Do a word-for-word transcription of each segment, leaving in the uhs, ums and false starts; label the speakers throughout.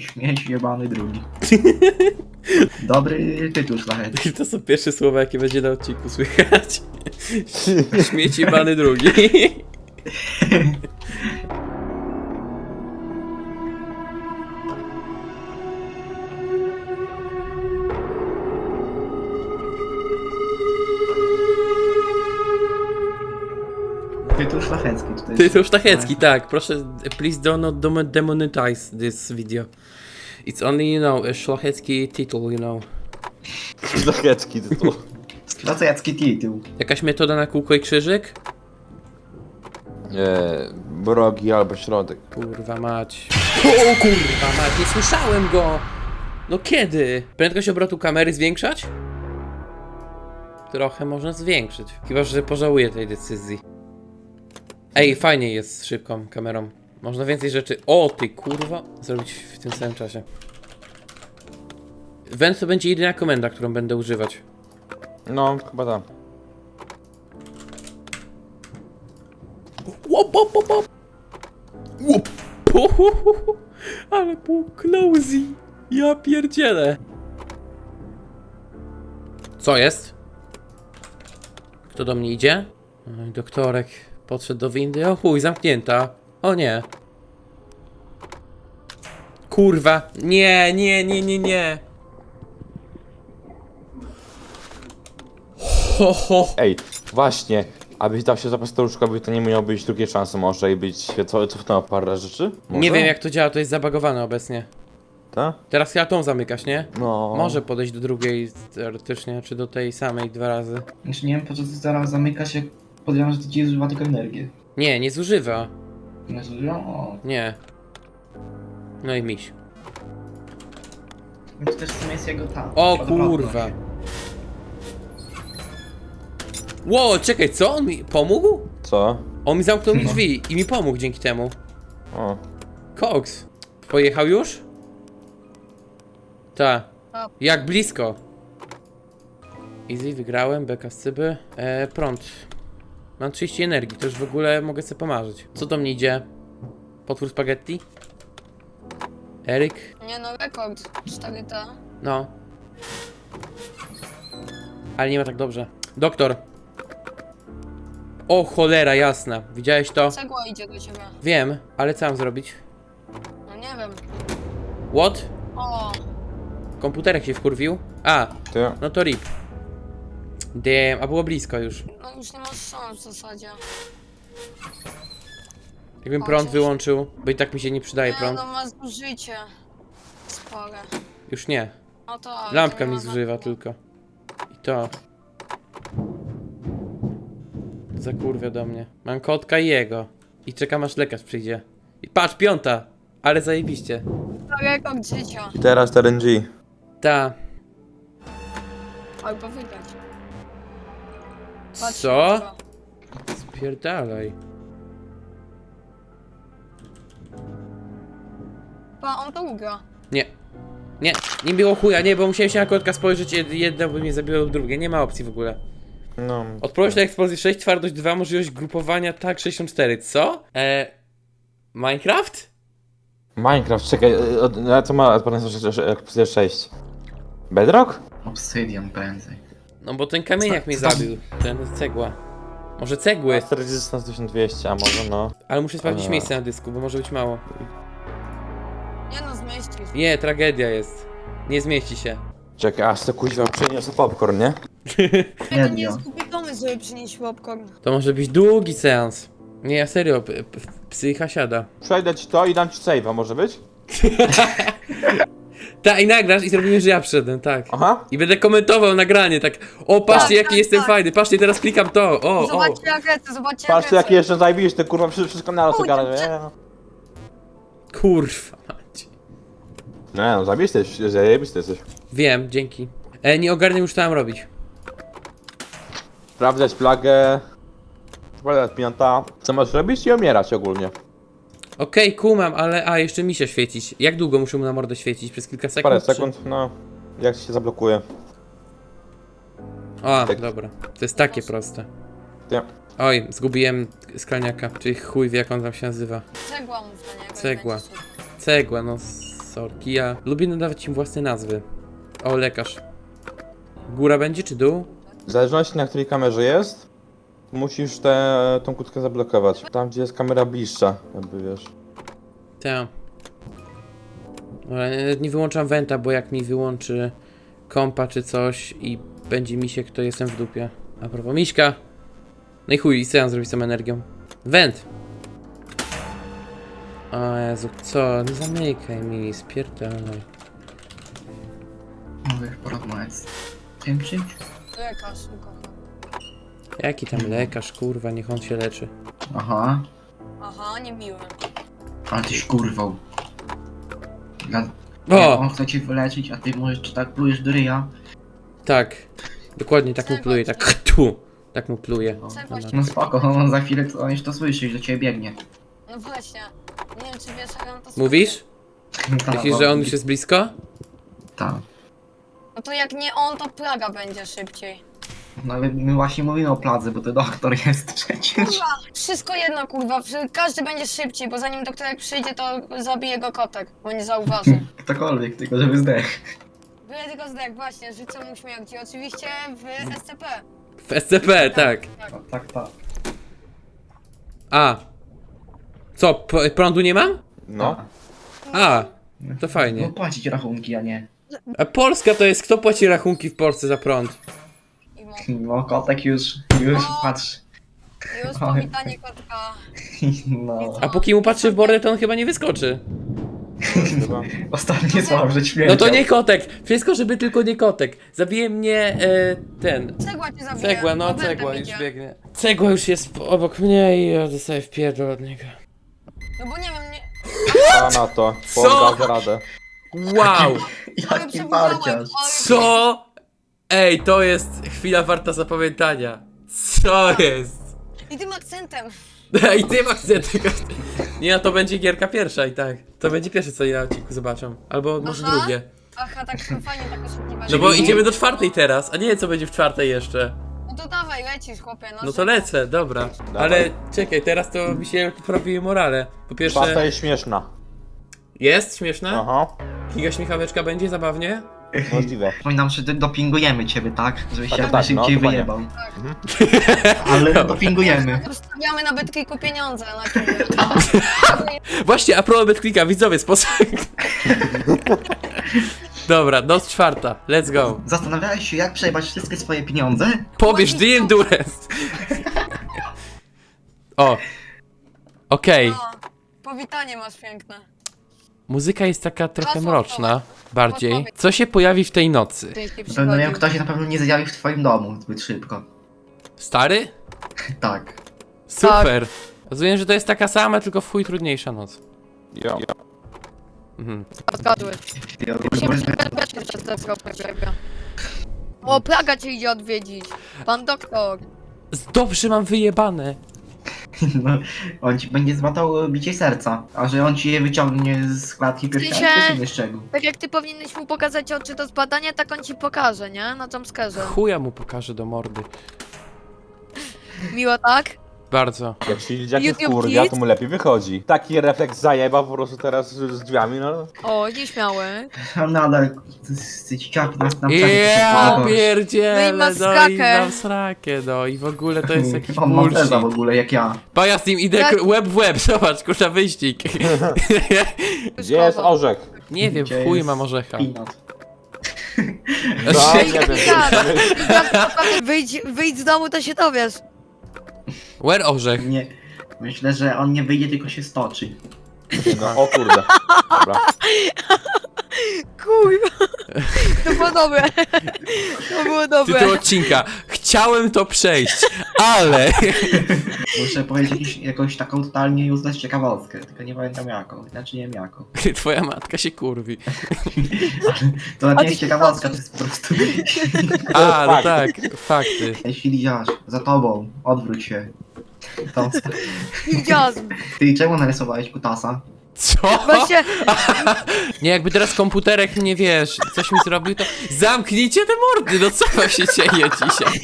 Speaker 1: Śmieć jebany drugi. Dobry tytuł szlachetny.
Speaker 2: To są pierwsze słowa, jakie będzie na odcinku słychać. Śmieci bany drugi.
Speaker 1: Tytuł szlachecki tutaj.
Speaker 2: Tytuł sztachecki, tak. Proszę, please do not demonetize this video. It's only, you know, a szlachecki tytuł, you know.
Speaker 3: Szlachecki tytuł.
Speaker 1: Szlachecki tytuł.
Speaker 2: Jakaś metoda na kółko i krzyżyk?
Speaker 3: Nie, brogi albo środek.
Speaker 2: Kurwa mać. O kurwa mać, nie słyszałem go! No kiedy? Prędkość obrotu kamery zwiększać? Trochę można zwiększyć. Chyba że pożałuję tej decyzji. Ej, fajnie jest z szybką kamerą. Można więcej rzeczy... O ty kurwa! Zrobić w tym samym czasie. Wend to będzie jedyna komenda, którą będę używać.
Speaker 3: No, chyba tak.
Speaker 2: Łop, łop, łop, łop. Łop. Uhuhuhu. Ale było closey. Ja pierdzielę. Co jest? Kto do mnie idzie? Oj, doktorek podszedł do windy. O chuj, zamknięta. O nie. Kurwa. Nie, nie, nie, nie, nie. Ho, ho.
Speaker 3: Ej, właśnie. Abyś dał się zapas staruszkowi, to nie miało być drugiej szansy może i być co, cofnęła parę rzeczy? Może?
Speaker 2: Nie wiem jak to działa, to jest zabagowane obecnie.
Speaker 3: Tak?
Speaker 2: Teraz chyba tą zamykasz, nie?
Speaker 3: No.
Speaker 2: Może podejść do drugiej teoretycznie, czy do tej samej dwa razy.
Speaker 1: Znaczy nie wiem po co zaraz zamyka się, podejrzewam, że to ci zużywa tylko energię.
Speaker 2: Nie, nie zużywa.
Speaker 1: Nie zużywa? O.
Speaker 2: Nie. No i miś.
Speaker 1: Więc też w sumie jest jego ta.
Speaker 2: O
Speaker 1: odwrotność.
Speaker 2: kurwa. Ło, czekaj, co? On mi pomógł?
Speaker 3: Co?
Speaker 2: On mi zamknął mi
Speaker 1: No.
Speaker 2: drzwi i mi pomógł dzięki temu.
Speaker 3: O.
Speaker 2: Cox. Pojechał już? Ta.
Speaker 4: Tak.
Speaker 2: Jak blisko. Easy, wygrałem, beka z cyby. E, prąd. Mam trzydzieści energii, to już w ogóle mogę sobie pomarzyć. Co do mnie idzie? Potwór spaghetti? Eryk?
Speaker 4: Nie no, rekord. cztery T.
Speaker 2: No. Ale nie ma tak dobrze. Doktor. O cholera jasna. Widziałeś to?
Speaker 4: Cegła idzie do ciebie.
Speaker 2: Wiem, ale co mam zrobić?
Speaker 4: No nie wiem.
Speaker 2: What?
Speaker 4: O,
Speaker 2: Komputerek się wkurwił? A,
Speaker 3: Ty?
Speaker 2: no to rip. Damn, a było blisko już.
Speaker 4: no już nie masz szans w zasadzie.
Speaker 2: Jakbym
Speaker 4: O,
Speaker 2: prąd
Speaker 4: coś.
Speaker 2: wyłączył, bo i tak mi się nie przydaje
Speaker 4: Nie
Speaker 2: prąd.
Speaker 4: no, ma zużycie. Spore.
Speaker 2: Już nie.
Speaker 4: No to... ale
Speaker 2: Lampka
Speaker 4: to nie
Speaker 2: mi
Speaker 4: ma
Speaker 2: zużywa
Speaker 4: znaczenia.
Speaker 2: tylko. I to. Zakurwia do mnie. Mam kotka i jego. I czekam aż lekarz przyjdzie. I patrz, piąta! Ale zajebiście.
Speaker 4: To rekord życia.
Speaker 3: Teraz R N G.
Speaker 2: Ta.
Speaker 4: Albo wygrać. Patrz,
Speaker 2: Co?
Speaker 4: jutro.
Speaker 2: Spierdalaj.
Speaker 4: Pa, on to ugra.
Speaker 2: Nie. Nie, nie było chuja, nie, bo musiałem się na kotka spojrzeć, jed- jedno by mnie zabiło drugie, nie ma opcji w ogóle.
Speaker 3: No.
Speaker 2: Odpowiedź na eksplozję sześć, twardość dwa, możliwość grupowania tak sześćdziesiąt cztery, co? Eee... Minecraft?
Speaker 3: Minecraft, czekaj, e, od- a co ma odporność sześć? Bedrock?
Speaker 1: Obsydian prędzej.
Speaker 2: No bo ten kamieniak
Speaker 1: Co-
Speaker 2: mnie
Speaker 1: co tam?
Speaker 2: zabił, ten cegła. Może cegły,
Speaker 3: Master Resistance tysiąc dwieście, a może no.
Speaker 2: ale muszę sprawdzić
Speaker 3: Eee.
Speaker 2: miejsce na dysku, bo może być mało.
Speaker 4: Nie no, zmieścisz.
Speaker 2: Nie, tragedia jest. Nie zmieści się.
Speaker 3: Czekaj, aż to kuźwa przyniosę popcorn, nie?
Speaker 4: To
Speaker 1: Nie,
Speaker 4: nie
Speaker 1: nie.
Speaker 4: jest głupi pomysł, żeby przynieść popcorn.
Speaker 2: To może być długi seans. Nie, ja serio, p- p- psycha siada.
Speaker 3: Przejdę ci to i dam ci save'a, może być?
Speaker 2: Tak, i nagrasz i zrobimy, że ja przyszedłem, tak.
Speaker 3: Aha.
Speaker 2: I będę komentował nagranie, tak. O, patrzcie,
Speaker 4: Tak,
Speaker 2: jaki
Speaker 4: tak,
Speaker 2: jestem
Speaker 4: tak.
Speaker 2: fajny, patrzcie, teraz klikam to. O, o.
Speaker 4: Zobaczcie jak lecę, zobaczcie jak
Speaker 3: Patrzcie
Speaker 4: lecę.
Speaker 3: jaki jeszcze zajebisz, ty kurwa przy wszystko na co
Speaker 4: Oj,
Speaker 3: gada,
Speaker 4: dobrze.
Speaker 3: nie?
Speaker 2: Kurwa mać.
Speaker 3: Nie no, zajebisty jesteś, zajebisty jesteś.
Speaker 2: Wiem, dzięki. E, nie ogarniam już co mam robić.
Speaker 3: Sprawdzać plagę. Sprawdzać piąta. Co masz robić i umierać ogólnie.
Speaker 2: Okej, kumam, ale... A, jeszcze mi się świecić. Jak długo muszę mu na mordę świecić? Przez kilka sekund?
Speaker 3: Parę
Speaker 2: czy-
Speaker 3: sekund, no. Jak się zablokuje.
Speaker 2: A,
Speaker 3: Tak.
Speaker 2: dobra. To jest takie proste.
Speaker 3: Nie.
Speaker 2: Oj, zgubiłem skalniaka, czyli chuj wie jak on tam się nazywa.
Speaker 4: Cegła mów na niego. i
Speaker 2: Cegła.
Speaker 4: będzie super.
Speaker 2: Cegła, no... s- Sorki, ja lubię nadawać im własne nazwy. O, lekarz. Góra będzie czy dół?
Speaker 3: W zależności na której kamerze jest, musisz tę tą kłódkę zablokować. Tam gdzie jest kamera bliższa, jakby wiesz.
Speaker 2: Tak. Ale nie- nie wyłączam wenta, bo jak mi wyłączy kompa czy coś i będzie misiek, to jestem w dupie. A propos miśka. No i chuj, i co ja zrobić z tą energią? Went! O Jezu, co? Nie zamykaj mi, spierdalaj.
Speaker 1: Mogę porozmawiać z tym czymś?
Speaker 4: Lekarz, ukochany.
Speaker 2: Jaki tam lekarz, kurwa, niech on się leczy.
Speaker 1: Aha,
Speaker 4: Aha, niemiły.
Speaker 1: ale tyś kurwał. Dla...
Speaker 2: O!
Speaker 1: On chce cię wyleczyć, a ty możesz czy tak plujesz do ryja.
Speaker 2: Tak. Dokładnie tak mu pluje, tak tu. Tak mu pluje.
Speaker 1: No,
Speaker 4: Co właśnie?
Speaker 1: no spoko, on za chwilę on już to słyszy i do ciebie biegnie.
Speaker 4: No właśnie. Nie wiem, czy wiesz, jak on to
Speaker 2: Mówisz?
Speaker 1: Ta,
Speaker 2: Myślisz,
Speaker 1: no,
Speaker 2: że on już jest blisko?
Speaker 1: Tak.
Speaker 4: No to jak nie on, to plaga będzie szybciej.
Speaker 1: No ale my właśnie mówimy o pladze, bo to doktor jest przecież.
Speaker 4: Kurwa, wszystko jedno, kurwa. Każdy będzie szybciej, bo zanim doktorek przyjdzie, to zabije go kotek, bo nie zauważy.
Speaker 1: Ktokolwiek, tylko żeby zdech.
Speaker 4: Byle tylko zdech, właśnie, życzę mu śmierci. Oczywiście w S C P.
Speaker 2: W S C P, tak.
Speaker 1: No, tak, tak.
Speaker 2: A. Co, p- prądu nie mam?
Speaker 3: No.
Speaker 2: A. To
Speaker 1: No
Speaker 2: fajnie.
Speaker 1: płacić rachunki, a nie.
Speaker 2: A Polska to jest, kto płaci rachunki w Polsce za prąd?
Speaker 4: I mo-
Speaker 1: No kotek już, już
Speaker 4: O.
Speaker 1: patrz.
Speaker 4: Już powitanie kotka.
Speaker 1: No.
Speaker 2: A póki mu patrzy w bordę, to on chyba nie wyskoczy.
Speaker 3: Chyba.
Speaker 1: Ostatnie słowo, że śmiercią.
Speaker 2: No to nie kotek. Wszystko, żeby tylko nie kotek. Zabije mnie e, ten.
Speaker 4: Cegła cię zabije.
Speaker 2: Cegła, no
Speaker 4: Robertem
Speaker 2: cegła już
Speaker 4: idzie.
Speaker 2: biegnie. Cegła już jest obok mnie i ja dostaję wpierdol od niego.
Speaker 4: No bo nie wiem, nie...
Speaker 3: A na to.
Speaker 2: Co?
Speaker 3: Podda radę.
Speaker 2: Wow!
Speaker 4: Ale
Speaker 1: Jaki
Speaker 4: przebudzałem,
Speaker 1: parciarz.
Speaker 4: ale-
Speaker 2: Co? Ej, to jest chwila warta zapamiętania. Co jest?
Speaker 4: I tym akcentem.
Speaker 2: I tym akcentem. Nie, no to będzie gierka pierwsza i tak. To będzie pierwsze, co ja na odcinku zobaczę. Albo może
Speaker 4: Aha.
Speaker 2: drugie.
Speaker 4: Aha, tak fajnie, tak oszukiwać.
Speaker 2: No bo idziemy do czwartej teraz, a nie co będzie w czwartej jeszcze.
Speaker 4: No to dawaj, lecisz, chłopie. No,
Speaker 2: No to lecę, dobra. Ale czekaj, teraz to mi się poprawiły morale. Po
Speaker 3: Czwarta
Speaker 2: pierwsze,
Speaker 3: jest śmieszna.
Speaker 2: jest śmieszne?
Speaker 3: Aha.
Speaker 2: Giga śmiechaweczka będzie zabawnie?
Speaker 3: Możliwe.
Speaker 1: Przypominam, że dopingujemy ciebie, tak? Żebyś
Speaker 3: Tak,
Speaker 1: jak
Speaker 3: tak, no,
Speaker 1: najszybciej
Speaker 3: dokładnie.
Speaker 1: wyjebał. Ale dopingujemy.
Speaker 4: Stawiamy na Betclicku pieniądze na chwilę.
Speaker 2: Właśnie, a propos BetClicka, widzowie, sposób... Dobra, noc czwarta, let's go.
Speaker 1: Zastanawiałeś się, jak przejebać wszystkie swoje pieniądze?
Speaker 2: Pobierz The Endurance. O. Okej.
Speaker 4: No, powitanie masz piękne.
Speaker 2: Muzyka jest taka trochę
Speaker 4: Hasło
Speaker 2: mroczna, bardziej. Co się pojawi w tej nocy?
Speaker 1: To no, wiem, ktoś się na pewno nie zjawi w twoim domu zbyt szybko.
Speaker 2: Stary?
Speaker 1: Tak.
Speaker 2: Super. Rozumiem, że to jest taka sama, tylko w chuj trudniejsza noc.
Speaker 3: Jo.
Speaker 2: Mhm.
Speaker 5: Zgadłeś.
Speaker 1: Ja
Speaker 5: O, plaga cię idzie odwiedzić. Pan doktor.
Speaker 2: Dobrze mam wyjebane.
Speaker 1: No, on ci będzie złatał bicie serca, a że on ci je wyciągnie z klatki piersiowej, to jest inny szczegół.
Speaker 5: Tak jak ty powinieneś mu pokazać oczy do zbadania, tak on ci pokaże, nie? Na jumpscarze.
Speaker 2: Chuja mu pokażę do mordy.
Speaker 5: Miło, tak?
Speaker 2: Bardzo.
Speaker 3: Jak się dzieciaki
Speaker 5: YouTube
Speaker 3: wkurwia,
Speaker 5: Kids?
Speaker 3: to mu lepiej wychodzi. Taki refleks zajeba po prostu teraz z drzwiami, no.
Speaker 5: O, nieśmiały.
Speaker 1: On nadal z dzieciaki nas nam
Speaker 2: Ja
Speaker 5: No i
Speaker 2: pierdzielę,
Speaker 5: ma
Speaker 2: no i
Speaker 5: srakę.
Speaker 2: mam srakę, no i w ogóle to jest jakiś
Speaker 1: On ma
Speaker 2: bullshit.
Speaker 1: teza w ogóle, jak ja.
Speaker 2: Pa, ja z nim idę
Speaker 5: Tak.
Speaker 2: k- łeb w łeb, zobacz, kurwa, wyścig.
Speaker 3: Gdzie jest orzech?
Speaker 2: Nie wiem,
Speaker 1: Gdzie
Speaker 2: chuj
Speaker 1: jest
Speaker 2: mam orzecha.
Speaker 1: Peanut.
Speaker 3: No, nie wiem.
Speaker 5: Tak. Wyjdź, wyjdź z domu, to się dowiesz.
Speaker 2: Where orzech?
Speaker 1: Nie. Myślę, że on nie wyjdzie, tylko się stoczy.
Speaker 3: No, o kurde. Dobra.
Speaker 5: Kurwa. To było dobre. To było dobre.
Speaker 2: Tytuł odcinka. Chciałem to przejść, ale...
Speaker 1: Muszę powiedzieć jakiś, jakąś taką totalnie useless ciekawostkę, tylko nie pamiętam jaką. Znaczy nie wiem jaką.
Speaker 2: Twoja matka się kurwi.
Speaker 1: To nawet
Speaker 5: A
Speaker 1: nie jest
Speaker 5: ty-
Speaker 1: ciekawostka, to jest po prostu...
Speaker 2: A, no
Speaker 3: fakt.
Speaker 2: tak, fakty.
Speaker 1: Jeśli widziałaś, za tobą, odwróć się. Tą st-
Speaker 5: Widziałam.
Speaker 1: Ty czemu narysowałeś kutasa?
Speaker 2: Co?
Speaker 5: Właśnie,
Speaker 2: Nie, jakby teraz komputerek mnie, wiesz, coś mi zrobił, to zamknijcie te mordy, no co wam się dzieje dzisiaj?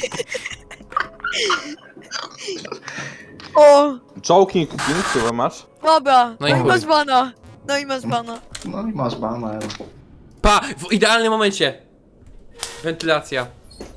Speaker 3: Choking King, co masz?
Speaker 5: dobra.
Speaker 2: No i
Speaker 5: No i
Speaker 2: chuj.
Speaker 5: masz bana. No i masz bana.
Speaker 1: No i masz bana.
Speaker 2: Pa! W idealnym momencie! Wentylacja.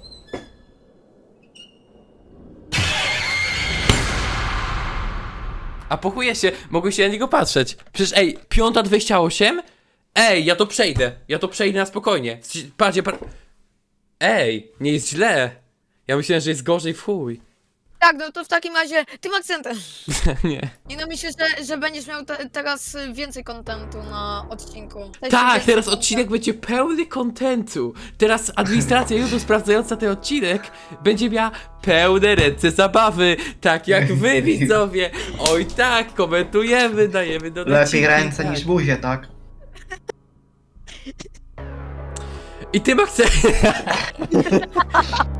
Speaker 2: A pochuje się, mogę się na niego patrzeć. Przecież ej, piąta dwadzieścia osiem? Ej, ja to przejdę. Ja to przejdę na spokojnie. Patrzcie, par... Ej, nie jest źle. Ja myślałem, że jest gorzej w chuj.
Speaker 5: Tak, no to w takim razie tym akcentem.
Speaker 2: Nie.
Speaker 5: I no myślę, że, że będziesz miał te, teraz więcej kontentu na odcinku. W sensie
Speaker 2: Tak,
Speaker 5: więcej
Speaker 2: teraz
Speaker 5: kontentu.
Speaker 2: odcinek będzie pełny kontentu. Teraz administracja YouTube sprawdzająca ten odcinek będzie miała pełne ręce zabawy. Tak jak wy, widzowie. Oj tak, komentujemy, dajemy do
Speaker 1: Lepiej ręce
Speaker 2: tak.
Speaker 1: niż buzie, tak?
Speaker 2: I tym akcentem...